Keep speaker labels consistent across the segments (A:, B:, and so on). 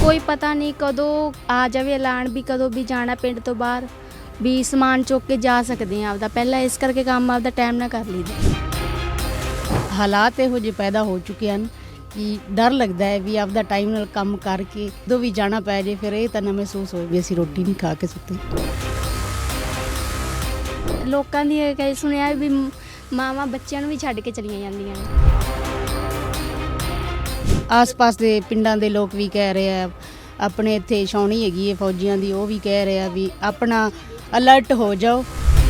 A: ਕੋਈ ਪਤਾ ਨਹੀਂ ਕਦੋਂ ਆ ਜਾਵੇ ਐਲਾਨ ਵੀ ਕਦੋਂ ਵੀ ਜਾਣਾ ਪਿੰਡ ਤੋਂ ਬਾਹਰ ਵੀ ਸਮਾਨ ਚੁੱਕ ਕੇ ਜਾ ਸਕਦੇ ਆ ਆਪਦਾ ਪਹਿਲਾਂ ਇਸ ਕਰਕੇ ਕੰਮ ਆਪਦਾ ਟਾਈਮ ਨਾਲ ਕਰ ਲਈਦਾ।
B: ਹਾਲਾਤ ਇਹੋ ਜਿਹੇ ਪੈਦਾ ਹੋ ਚੁੱਕੇ ਹਨ ਕਿ ਡਰ ਲੱਗਦਾ ਹੈ ਵੀ ਆਪਦਾ ਟਾਈਮ ਨਾਲ ਕੰਮ ਕਰਕੇ ਜਦੋਂ ਵੀ ਜਾਣਾ ਪੈ ਜੇ ਫਿਰ ਇਹ ਤਾਂ ਨਾ ਮਹਿਸੂਸ ਹੋਵੇ ਵੀ ਅਸੀਂ ਰੋਟੀ ਨਹੀਂ ਖਾ ਕੇ ਸੁੱਤੇ।
A: ਲੋਕਾਂ ਦੀ ਇਹ ਕਹੀ ਸੁਣਿਆ ਵੀ ਮਾਵਾਂ ਬੱਚਿਆਂ ਨੂੰ ਵੀ ਛੱਡ ਕੇ ਚਲੀਆਂ ਜਾਂਦੀਆਂ ਨੇ।
B: ਆਸ-ਪਾਸ ਦੇ ਪਿੰਡਾਂ ਦੇ ਲੋਕ ਵੀ ਕਹਿ ਰਹੇ ਆ, ਆਪਣੇ ਇੱਥੇ ਛਾਉਣੀ ਹੈਗੀ ਹੈ ਫੌਜੀਆਂ ਦੀ, ਉਹ ਵੀ ਕਹਿ ਰਹੇ ਆ ਵੀ ਆਪਣਾ ਅਲਰਟ ਹੋ ਜਾਓ।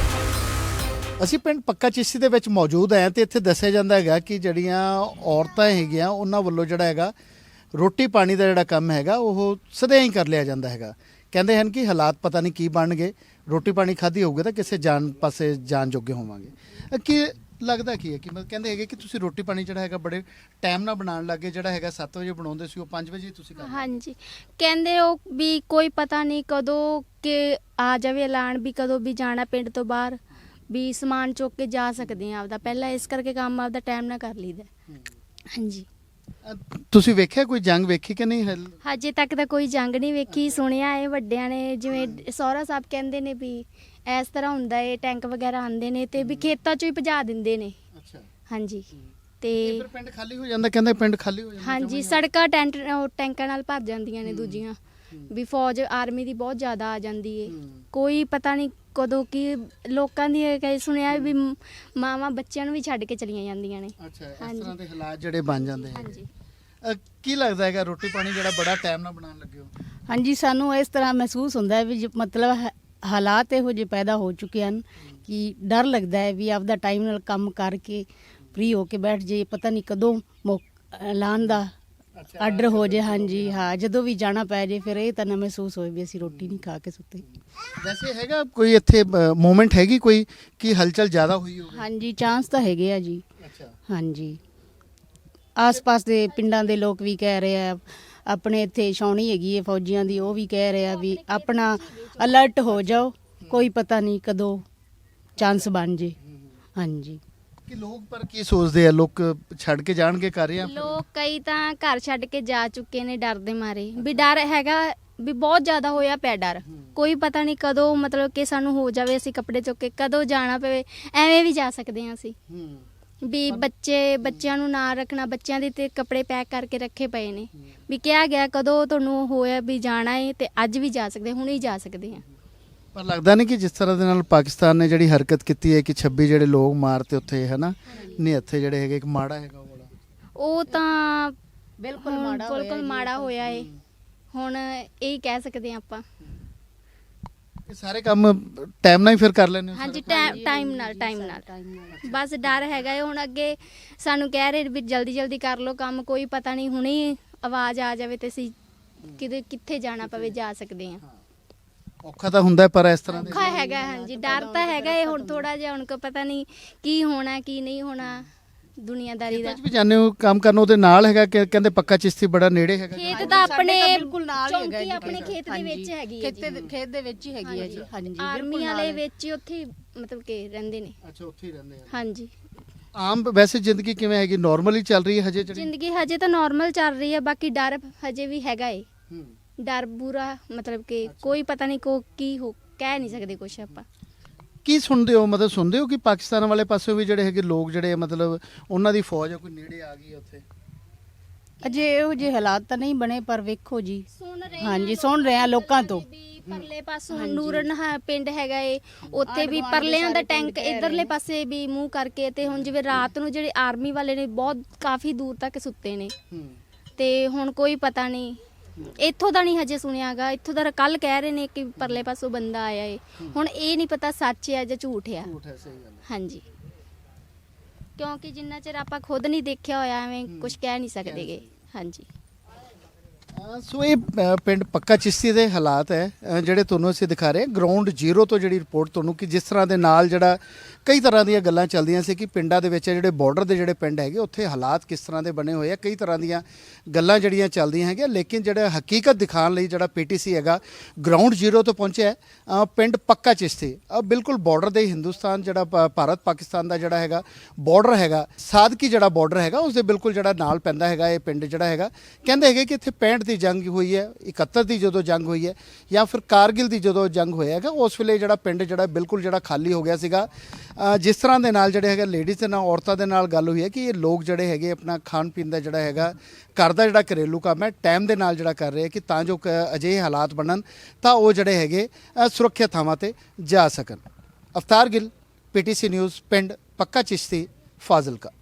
C: ਅਸੀਂ ਪਿੰਡ ਪੱਕਾ ਚਿਸ਼ਤੀ ਦੇ ਵਿੱਚ ਮੌਜੂਦ ਹਾਂ ਤੇ ਇੱਥੇ ਦੱਸਿਆ ਜਾਂਦਾ ਹੈਗਾ ਕਿ ਜਿਹੜੀਆਂ ਔਰਤਾਂ ਹੈਗੀਆਂ ਉਹਨਾਂ ਵੱਲੋਂ ਜਿਹੜਾ ਹੈਗਾ ਰੋਟੀ ਪਾਣੀ ਦਾ ਜਿਹੜਾ ਕੰਮ ਹੈਗਾ ਉਹ ਸਦਾ ਹੀ ਕਰ ਲਿਆ ਜਾਂਦਾ ਹੈਗਾ। ਕਹਿੰਦੇ ਹਨ ਕਿ ਹਾਲਾਤ ਪਤਾ ਨਹੀਂ ਕੀ ਬਣਨਗੇ, ਰੋਟੀ ਪਾਣੀ ਖਾਧੀ ਹੋਊਗਾ ਤਾਂ ਕਿਸੇ ਜਾਨ ਪਾਸੇ ਜਾਣ ਜੋਗੇ ਹੋਵਾਂਗੇ। ਕੀ ਲੱਗਦਾ ਕੀ ਹੈ ਕਿ ਮਤਲਬ ਕਹਿੰਦੇ ਹੈਗੇ ਕਿ ਤੁਸੀਂ ਰੋਟੀ ਪਾਣੀ ਜਿਹੜਾ ਹੈਗਾ ਬੜੇ ਟਾਈਮ ਨਾਲ ਬਣਾਉਣ ਲੱਗੇ, ਜਿਹੜਾ ਹੈਗਾ 7 ਵਜੇ ਬਣਾਉਂਦੇ ਸੀ ਉਹ 5 ਵਜੇ ਤੁਸੀਂ ਕਰ
A: ਹਾਂਜੀ, ਕਹਿੰਦੇ ਉਹ ਵੀ ਕੋਈ ਪਤਾ ਨਹੀਂ ਕਦੋਂ ਕਿ ਆ ਜਾਵੇ ਐਲਾਨ ਵੀ ਕਦੋਂ ਵੀ ਜਾਣਾ ਪਿੰਡ ਤੋਂ ਬਾਹਰ ਵੀ ਸਮਾਨ ਚੁੱਕ ਕੇ ਜਾ ਸਕਦੇ ਆ ਆਪਦਾ ਪਹਿਲਾਂ ਇਸ ਕਰਕੇ ਕੰਮ ਆਪਦਾ ਟਾਈਮ ਨਾਲ ਕਰ ਲਈਦਾ। ਹਾਂਜੀ,
C: ਤੁਸੀਂ ਵੇਖਿਆ ਕੋਈ ਜੰਗ ਵੇਖੀ ਕਿ ਨਹੀਂ?
A: ਹਜੇ ਤੱਕ ਤਾਂ ਕੋਈ ਜੰਗ ਨਹੀਂ ਵੇਖੀ। ਸੁਣਿਆ ਹੈ ਵੱਡਿਆਂ ਨੇ, ਜਿਵੇਂ ਸਹੁਰਾ ਸਾਹਿਬ ਕਹਿੰਦੇ ਨੇ ਵੀ ਇਸ ਤਰ੍ਹਾਂ ਹੁੰਦਾ ਏ, ਟੈਂਕ ਵਗੈਰਾ ਆਉਂਦੇ ਨੇ ਤੇ ਵੀ ਖੇਤਾਂ 'ਚੋਂ ਹੀ ਭਜਾ ਦਿੰਦੇ ਨੇ।
C: ਅੱਛਾ,
A: ਹਾਂਜੀ ਤੇ
C: ਫਿਰ ਪਿੰਡ ਖਾਲੀ ਹੋ ਜਾਂਦਾ, ਕਹਿੰਦੇ ਪਿੰਡ ਖਾਲੀ ਹੋ ਜਾਂਦਾ।
A: ਹਾਂਜੀ, ਸੜਕਾਂ ਟੈਂਕਾਂ ਨਾਲ ਭਰ ਜਾਂਦੀਆਂ ਨੇ ਦੂਜੀਆਂ ਵੀ ਫੌਜ ਆਰਮੀ ਦੀ ਬਹੁਤ ਜ਼ਿਆਦਾ ਆ ਜਾਂਦੀ ਏ। ਕੋਈ ਪਤਾ ਨਹੀਂ ਕਦੋਂ ਕੀ ਲੋਕਾਂ ਦੀ ਇਹ ਕਹੀ ਸੁਣਿਆ ਵੀ ਮਾਵਾਂ ਬੱਚਿਆਂ ਨੂੰ ਵੀ ਛੱਡ ਕੇ ਚਲੀਆਂ ਜਾਂਦੀਆਂ ਨੇ।
C: ਅੱਛਾ, ਇਸ ਤਰ੍ਹਾਂ ਦੇ ਹਾਲਾਤ ਜਿਹੜੇ ਬਣ ਜਾਂਦੇ ਹੈ।
A: ਹਾਂਜੀ,
C: ਕੀ ਲੱਗਦਾ ਹੈਗਾ ਰੋਟੀ ਪਾਣੀ ਜਿਹੜਾ ਬੜਾ ਟਾਈਮ ਨਾਲ ਬਣਾਉਣ ਲੱਗੇ ਹੋ?
B: ਹਾਂਜੀ, ਸਾਨੂੰ ਇਸ ਤਰ੍ਹਾਂ ਮਹਿਸੂਸ ਹੁੰਦਾ ਹੈ ਵੀ ਮਤਲਬ ਹਾਲਾਤ ਇਹੋ ਜਿਹੇ ਪੈਦਾ ਹੋ ਚੁੱਕੇ ਹਨ ਕਿ ਡਰ ਲੱਗਦਾ ਹੈ ਵੀ ਆਪਦਾ ਟਾਈਮ ਨਾਲ ਕੰਮ ਕਰਕੇ ਫ੍ਰੀ ਹੋ ਕੇ ਬੈਠ ਜੇ, ਪਤਾ ਨਹੀਂ ਕਦੋਂ ਐਲਾਨ ਦਾ ਆਰਡਰ ਹੋ ਜੇ। ਹਾਂਜੀ ਹਾਂ, ਜਦੋਂ ਵੀ ਜਾਣਾ ਪੈ ਜੇ ਫਿਰ ਇਹ ਤਾਂ ਨਾ ਮਹਿਸੂਸ ਹੋਵੇ ਵੀ ਅਸੀਂ ਰੋਟੀ ਨਹੀਂ ਖਾ ਕੇ ਸੁੱਤੇ।
C: ਵੈਸੇ ਹੈਗਾ ਕੋਈ ਇੱਥੇ ਮੂਵਮੈਂਟ ਹੈਗੀ ਕੋਈ ਕਿ ਹਲਚਲ ਜ਼ਿਆਦਾ ਹੋਈ ਹੋਵੇ?
B: ਹਾਂਜੀ, ਚਾਂਸ ਤਾਂ ਹੈਗੇ ਆ ਜੀ।
C: ਅੱਛਾ,
B: ਹਾਂਜੀ, ਆਸ-ਪਾਸ ਦੇ ਪਿੰਡਾਂ ਦੇ ਲੋਕ ਵੀ ਕਹਿ ਰਹੇ ਆ, ਆਪਣੇ ਇੱਥੇ ਛਾਉਣੀ ਹੈਗੀ ਹੈ ਫੌਜੀਆਂ ਦੀ, ਉਹ ਵੀ ਕਹਿ ਰਹੇ ਆ ਵੀ ਆਪਣਾ ਅਲਰਟ ਹੋ ਜਾਓ, ਕੋਈ ਪਤਾ ਨਹੀਂ ਕਦੋਂ ਚਾਂਸ ਬਣ ਜੇ। ਹਾਂਜੀ,
C: ਕਿ ਲੋਕ ਪਰ ਕੀ ਸੋਚਦੇ ਆ, ਲੋਕ ਛੱਡ ਕੇ ਜਾਣਗੇ ਕਰ ਰਹੇ ਆ?
A: ਲੋਕ ਕਈ ਤਾਂ ਘਰ ਛੱਡ ਕੇ ਜਾ ਚੁੱਕੇ ਨੇ ਡਰ ਦੇ ਮਾਰੇ ਵੀ ਡਰ ਹੈਗਾ ਵੀ ਬਹੁਤ ਜ਼ਿਆਦਾ ਹੋਇਆ ਪਿਆ ਡਰ। ਕੋਈ ਪਤਾ ਨਹੀਂ ਕਦੋਂ ਮਤਲਬ ਕਿ ਸਾਨੂੰ ਹੋ ਜਾਵੇ, ਅਸੀਂ ਕੱਪੜੇ ਚੁੱਕ ਕੇ ਕਦੋਂ ਜਾਣਾ ਪਵੇ, ਐਵੇਂ ਵੀ ਜਾ ਸਕਦੇ ਹਾਂ ਅਸੀਂ ਵੀ ਬੱਚਿਆਂ ਨੂੰ ਨਾ ਰੱਖਣਾ, ਬੱਚਿਆਂ ਦੇ ਤੇ ਕੱਪੜੇ ਪੈਕ ਕਰਕੇ ਰੱਖੇ ਪਏ ਨੇ ਵੀ ਕਿਹਾ ਗਿਆ ਕਦੋਂ ਤੁਹਾਨੂੰ ਹੋਇਆ ਵੀ ਜਾਣਾ ਹੈ ਤੇ ਅੱਜ ਵੀ ਜਾ ਸਕਦੇ, ਹੁਣ ਹੀ ਜਾ ਸਕਦੇ ਹਾਂ।
C: ਪਰ ਲੱਗਦਾ ਨਹੀਂ ਕਿ ਜਿਸ ਤਰ੍ਹਾਂ ਦੇ ਨਾਲ ਪਾਕਿਸਤਾਨ ਨੇ ਜਿਹੜੀ ਹਰਕਤ ਕੀਤੀ ਹੈ ਕਿ 26 ਜਿਹੜੇ ਲੋਕ ਮਾਰਤੇ ਉੱਥੇ ਹੈ ਨਾ, ਨਹੀਂ ਇੱਥੇ ਜਿਹੜੇ ਹੈਗੇ ਇੱਕ ਮਾੜਾ ਹੈਗਾ ਉਹ ਬੜਾ,
A: ਉਹ ਤਾਂ
B: ਬਿਲਕੁਲ
A: ਬਿਲਕੁਲ ਮਾੜਾ ਹੋਇਆ ਏ। ਹੁਣ ਇਹ ਕਹਿ ਸਕਦੇ ਹਾਂ ਆਪਾਂ।
C: ਇਹ ਸਾਰੇ ਕੰਮ ਟਾਈਮ ਨਾਲ ਹੀ ਫਿਰ ਕਰ ਲੈਣੇ?
A: ਹਾਂਜੀ, ਟਾਈਮ ਨਾਲ ਬਸ ਡਰ ਹੈਗਾ ਏ। ਹੁਣ ਅੱਗੇ ਸਾਨੂੰ ਕਹਿ ਰਹੇ ਵੀ ਜਲਦੀ ਜਲਦੀ ਕਰ ਲਓ ਕੰਮ, ਕੋਈ ਪਤਾ ਨਹੀਂ ਹੁਣੇ ਆਵਾਜ਼ ਆ ਜਾਵੇ ਤੇ ਅਸੀਂ ਕਿੱਥੇ ਜਾਣਾ ਪਵੇ ਜਾ ਸਕਦੇ ਹਾਂ।
C: ਔਖਾ ਤਾਂ ਹੁੰਦਾ ਪਰ ਇਸ ਤਰ੍ਹਾਂ ਦੇ
A: ਔਖਾ ਹੈਗਾ। ਹਾਂਜੀ, ਡਰ ਤਾਂ ਹੈਗਾ ਏ। ਹੁਣ ਥੋੜਾ ਜਿਹਾ ਹੁਣ ਕੋ ਪਤਾ ਨਹੀਂ ਕੀ ਹੋਣਾ ਕੀ ਨਹੀਂ ਹੋਣਾ ਦੁਨੀਆਦਾਰੀ ਦਾ।
C: ਵੀ ਜਾਂਦੇ ਹੋ ਕੰਮ ਕਰਨ, ਉਹਦੇ ਨਾਲ ਹੈਗਾ ਕਿ ਕਹਿੰਦੇ ਪੱਕਾ ਚਿਸ਼ਤੀ ਬੜਾ ਨੇੜੇ ਹੈਗਾ?
A: ਖੇਤ ਤਾਂ ਆਪਣੇ
B: ਬਿਲਕੁਲ ਨਾਲ ਹੀ ਹੈਗਾ ਜੀ,
A: ਆਪਣੇ ਖੇਤ ਦੇ ਵਿੱਚ ਹੈਗੀ ਹੈ ਜੀ।
B: ਖੇਤ ਦੇ ਵਿੱਚ ਹੀ ਹੈਗੀ ਹੈ ਜੀ। ਹਾਂਜੀ,
A: ਆਰਮੀ ਵਾਲੇ ਵਿੱਚ ਹੀ ਉੱਥੇ ਮਤਲਬ ਕਿ ਰਹਿੰਦੇ ਨੇ।
C: ਅੱਛਾ, ਉੱਥੇ ਹੀ ਰਹਿੰਦੇ ਆ।
A: ਹਾਂਜੀ,
C: ਆਮ ਵੈਸੇ ਜ਼ਿੰਦਗੀ ਕਿਵੇਂ ਹੈਗੀ? ਨਾਰਮਲੀ ਚੱਲ ਰਹੀ ਹੈ ਹਜੇ?
A: ਜ਼ਿੰਦਗੀ ਹਜੇ ਤਾਂ ਨਾਰਮਲ ਚੱਲ ਰਹੀ ਹੈ, ਬਾਕੀ ਡਰ ਹਜੇ ਵੀ ਹੈਗਾ ਏ। ਡਰ ਬੁਰਾ ਮਤਲਬ ਕਿ ਕੋਈ ਪਤਾ ਨਹੀਂ ਕੀ ਹੋ ਕਹਿ ਨਹੀਂ ਸਕਦੇ ਕੁਛ ਆਪਾਂ।
C: ਕੀ ਸੁਣਦੇ ਹੋ, ਮਤਲਬ ਸੁਣਦੇ ਹੋ ਕਿ ਪਾਕਿਸਤਾਨ ਵਾਲੇ ਪਾਸੇ ਵੀ ਜਿਹੜੇ ਹੈਗੇ ਲੋਕ ਜਿਹੜੇ ਮਤਲਬ ਉਹਨਾਂ ਦੀ ਫੌਜ ਕੋਈ ਨੇੜੇ ਆ ਗਈ ਉੱਥੇ?
B: ਅਜੇ ਇਹੋ ਜਿਹੇ ਹਾਲਾਤ ਤਾਂ ਨਹੀਂ ਬਣੇ ਪਰ ਵੇਖੋ ਜੀ। ਹਾਂਜੀ,
A: ਸੁਣ
B: ਰਹੇ ਆ ਲੋਕਾਂ ਤੋਂ।
A: ਪਰਲੇ ਪਾਸੋਂ ਨੂਰਨ ਪਿੰਡ ਹੈਗਾ ਏ, ਉੱਥੇ ਵੀ ਪਰਲਿਆਂ ਦਾ ਟੈਂਕ ਇਧਰਲੇ ਪਾਸੇ ਵੀ ਮੂੰਹ ਕਰਕੇ ਤੇ ਹੁਣ ਜਿਵੇਂ ਰਾਤ ਨੂੰ ਜਿਹੜੇ ਆਰਮੀ ਵਾਲੇ ਨੇ ਬਹੁਤ ਕਾਫੀ ਦੂਰ ਤੱਕ ਸੁੱਤੇ ਨੇ ਤੇ ਹੁਣ ਕੋਈ ਪਤਾ ਨਹੀਂ। ਇੱਥੋਂ ਦਾ ਨਹੀਂ ਹਜੇ ਸੁਣਿਆਗਾ, ਇੱਥੋਂ ਦਾ ਕੱਲ ਕਹਿ ਰਹੇ ਨੇ ਕਿ ਪਰਲੇ ਪਾਸੋਂ ਬੰਦਾ ਆਇਆ ਏ। ਹੁਣ ਇਹ ਨਹੀਂ ਪਤਾ ਸੱਚ ਹੈ ਜਾਂ ਝੂਠ ਆ। ਹਾਂਜੀ, ਕਿਉਂਕਿ ਜਿੰਨਾ ਚਿਰ ਆਪਾਂ ਖੁਦ ਨਹੀਂ ਦੇਖਿਆ ਹੋਇਆ ਐਵੇਂ ਕੁਝ ਕਹਿ ਨਹੀਂ ਸਕਦੇਗੇ। ਹਾਂਜੀ,
C: ਸੋ ਇਹ ਪਿੰਡ ਪੱਕਾ ਚਿਸ਼ਤੀ ਦੇ ਹਾਲਾਤ ਹੈ ਜਿਹੜੇ ਤੁਹਾਨੂੰ ਅਸੀਂ ਦਿਖਾ ਰਹੇ ਗਰਾਊਂਡ ਜ਼ੀਰੋ ਤੋਂ ਜਿਹੜੀ ਰਿਪੋਰਟ ਤੁਹਾਨੂੰ ਕਿ ਜਿਸ ਤਰ੍ਹਾਂ ਦੇ ਨਾਲ ਜਿਹੜਾ ਕਈ ਤਰ੍ਹਾਂ ਦੀਆਂ ਗੱਲਾਂ ਚੱਲਦੀਆਂ ਸੀ ਕਿ ਪਿੰਡਾਂ ਦੇ ਵਿੱਚ ਜਿਹੜੇ ਬਾਰਡਰ ਦੇ ਜਿਹੜੇ ਪਿੰਡ ਹੈਗੇ ਉੱਥੇ ਹਾਲਾਤ ਕਿਸ ਤਰ੍ਹਾਂ ਦੇ ਬਣੇ ਹੋਏ ਆ, ਕਈ ਤਰ੍ਹਾਂ ਦੀਆਂ ਗੱਲਾਂ ਜਿਹੜੀਆਂ ਚੱਲਦੀਆਂ ਹੈਗੀਆਂ। ਲੇਕਿਨ ਜਿਹੜਾ ਹਕੀਕਤ ਦਿਖਾਉਣ ਲਈ ਜਿਹੜਾ ਪੀਟੀਸੀ ਹੈਗਾ ਗਰਾਊਂਡ ਜ਼ੀਰੋ ਤੋਂ ਪਹੁੰਚਿਆ ਪਿੰਡ ਪੱਕਾ ਚਿਸ਼ਤੀ ਬਿਲਕੁਲ ਬਾਰਡਰ ਦੇ ਹਿੰਦੁਸਤਾਨ ਜਿਹੜਾ ਭਾਰਤ ਪਾਕਿਸਤਾਨ ਦਾ ਜਿਹੜਾ ਹੈਗਾ ਬਾਰਡਰ ਹੈਗਾ, ਸਾਦਕੀ ਜਿਹੜਾ ਬਾਰਡਰ ਹੈਗਾ ਉਸ ਦੇ ਬਿਲਕੁਲ ਜਿਹੜਾ ਨਾਲ ਪੈਂਦਾ ਹੈਗਾ ਇਹ ਪਿੰਡ ਜਿਹੜਾ ਹੈਗਾ। ਕਹਿੰਦੇ ਹੈਗੇ ਕਿ ਇੱਥੇ 65 ਦੀ ਜੰਗ ਹੋਈ ਹੈ, 71 ਦੀ ਜਦੋਂ ਜੰਗ ਹੋਈ ਹੈ, ਜਾਂ ਫਿਰ ਕਾਰਗਿਲ ਦੀ ਜਦੋਂ ਜੰਗ ਹੋਇਆ ਹੈਗਾ, ਉਸ ਵੇਲੇ ਜਿਹੜਾ ਪਿੰਡ ਜਿਹੜਾ ਬਿਲਕੁਲ ਜਿਹੜਾ ਖਾਲੀ ਹੋ ਗਿਆ ਸੀਗਾ। ਜਿਸ ਤਰ੍ਹਾਂ ਦੇ ਨਾਲ ਜਿਹੜੇ ਹੈਗਾ ਲੇਡੀਜ਼ ਦੇ ਨਾਲ ਔਰਤਾਂ ਦੇ ਨਾਲ ਗੱਲ ਹੋਈ ਹੈ ਕਿ ਇਹ ਲੋਕ ਜਿਹੜੇ ਹੈਗੇ ਆਪਣਾ ਖਾਣ ਪੀਣ ਦਾ ਜਿਹੜਾ ਹੈਗਾ ਘਰ ਦਾ ਜਿਹੜਾ ਘਰੇਲੂ ਕੰਮ ਹੈ ਟਾਈਮ ਦੇ ਨਾਲ ਜਿਹੜਾ ਕਰ ਰਹੇ ਕਿ ਤਾਂ ਜੋ ਅਜਿਹੇ ਹਾਲਾਤ ਬਣਨ ਤਾਂ ਉਹ ਜਿਹੜੇ ਹੈਗੇ ਸੁਰੱਖਿਅਤ ਥਾਵਾਂ ਤੇ ਜਾ ਸਕਣ। ਅਵਤਾਰ ਗਿੱਲ, PTC ਨਿਊਜ਼, ਪਿੰਡ ਪੱਕਾ ਚਿਸ਼ਤੀ, ਫਾਜ਼ਿਲਕਾ।